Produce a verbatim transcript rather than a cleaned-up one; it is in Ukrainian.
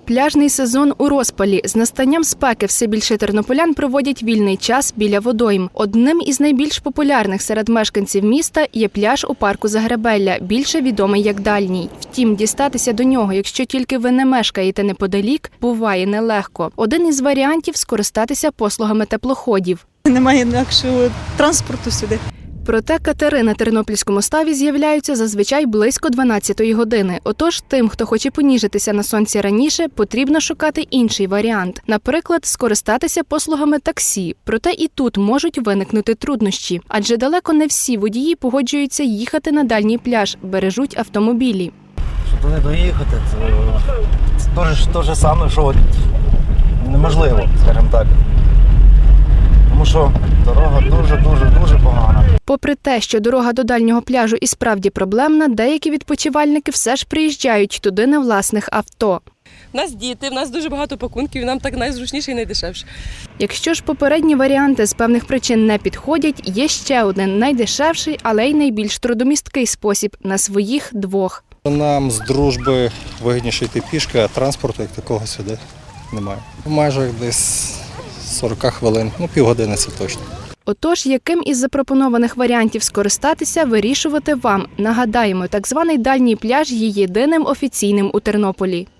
Пляжний сезон у розпалі. З настанням спеки все більше тернополян проводять вільний час біля водойм. Одним із найбільш популярних серед мешканців міста є пляж у парку Загребелля, більше відомий як Дальній. Втім, дістатися до нього, якщо тільки ви не мешкаєте неподалік, буває нелегко. Один із варіантів – скористатися послугами теплоходів. Немає інакшого транспорту сюди. Проте катери на Тернопільському ставі з'являються зазвичай близько дванадцятої години. Отож, тим, хто хоче поніжитися на сонці раніше, потрібно шукати інший варіант. Наприклад, скористатися послугами таксі. Проте і тут можуть виникнути труднощі. Адже далеко не всі водії погоджуються їхати на дальній пляж, бережуть автомобілі. Щоб туди доїхати, це, це те ж саме, що неможливо, скажімо так. Тому що дорога дуже-дуже-дуже погана. Попри те, що дорога до дальнього пляжу і справді проблемна, деякі відпочивальники все ж приїжджають туди на власних авто. У нас діти, в нас дуже багато пакунків, нам так найзручніше і найдешевше. Якщо ж попередні варіанти з певних причин не підходять, є ще один найдешевший, але й найбільш трудомісткий спосіб – на своїх двох. Нам з дружби вигідніше йти пішки, а транспорту як такого сюди немає. В межах десь сорок хвилин, ну півгодини це точно. Отож, яким із запропонованих варіантів скористатися, вирішувати вам. Нагадаємо, так званий дальній пляж є єдиним офіційним у Тернополі.